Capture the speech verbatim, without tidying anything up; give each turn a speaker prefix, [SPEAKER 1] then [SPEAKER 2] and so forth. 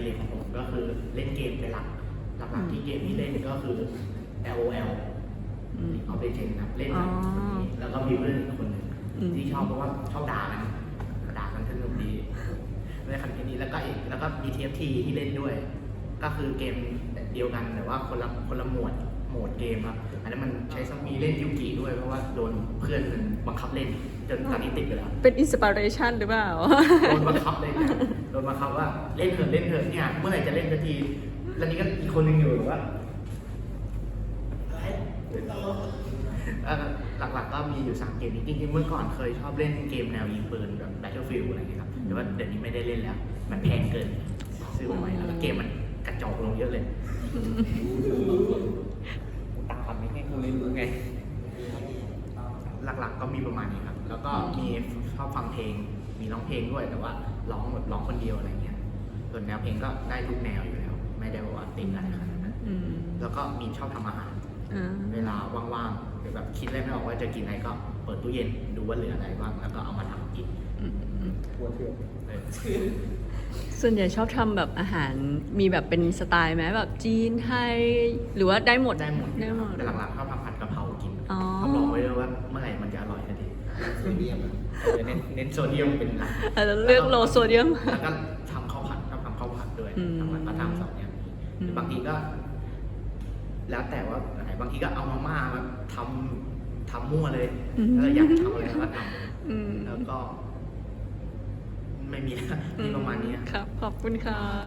[SPEAKER 1] ดิเรกของผมก็คือเล่นเกมเป็นหลักหลักๆที่เกมที่เล่นก็คือ แอล โอ แอล เอาไปเช่นครับเล่นกับคนนี้แล้วก็มีเพื่อนอีกคนหนึ่งที่ชอบเพราะว่าชอบด่ากันด่ากันสนุกดีเล่นคันนี้แล้วก็อีกแล้วก็มี ที เอฟ ที ที่เล่นด้วยก็คือเกมเดียวกันแต่ว่าคนละคนละหมวดโหมดเกมครับอันนั้นมันใช้มีเล่นยูกิด้วยเพราะว่าโดนเพื่อนมันบังคับเล่นจนตอนนี้ติดไปแล้ว
[SPEAKER 2] เป็นอินสปิเรชันหรือเปล่า
[SPEAKER 1] โดนบังคับเลยโดนบังคับว่าเล่นเถอะเล่นเถอะเนี่ยเมื่อไหร่จะเล่นสักทีแล้วนี่ก็อีกคนนึงอยู่ว่าหลักๆก็มีอยู่สามเกมนี้จริงๆเมื่อก่อนเคยชอบเล่นเกมแนวยิงปืนแบบ Battlefield อะไรอย่างเงี้ยครับแต่ว่าเดี๋ยวนี้ไม่ได้เล่นแล้วมันแพงเกินซื้อมาใหม่แล้วเกมมันกระจอกลงเยอะเลยตามไม่ให้คุณไม่รู้ไงหลักๆก็มีประมาณนี้ครับแล้วก็มีชอบฟังเพลงมีร้องเพลงด้วยแต่ว่าร้องแบบร้องคนเดียวอะไรเงี้ยส่วนแนวเพลงก็ได้ทุกแนวอยู่แล้วไม่ได้ว่าติดอะไรขนาดนั้นแล้วก็มีชอบทำอาหารเวลาว่างๆหรือแบบคิดอะไรไม่ออกว่าจะกินอะไรก็เปิดตู้เย็นดูว่าเหลืออะไรบ้างแล้วก็เอามาทำกินหัวเถื่อน
[SPEAKER 2] ส่วนใหญ่ชอบทำแบบอาหารมีแบบเป็นสไตล์ไหมแบบจีนไทยหรือว่าได้หมด
[SPEAKER 1] ได้หมด
[SPEAKER 2] ได้หมด
[SPEAKER 1] แต่หลังๆชอบทำผัดกะเพรากินทำลองไว้เลยว่าเมื่อไหร่มันจะอร่อยทันทีโซเดียมเน้นเน้นโซเดียมเป็นหลัก
[SPEAKER 2] แล้วเลือกโลโซเดียม
[SPEAKER 1] แล้วก็ทำข้าวผัดชอบทำข้าวผัดด้วยหลังๆก็ทำสองอย่างนี้บางทีก็แล้วแต่ว่าไหนบางทีก็เอามาม่ามาทำทำมั่วเลยแล้วอยากทำอะไรก็ทำแล้วก็ไม่มีมีประมาณนี้
[SPEAKER 2] ครับขอบคุณค่ะ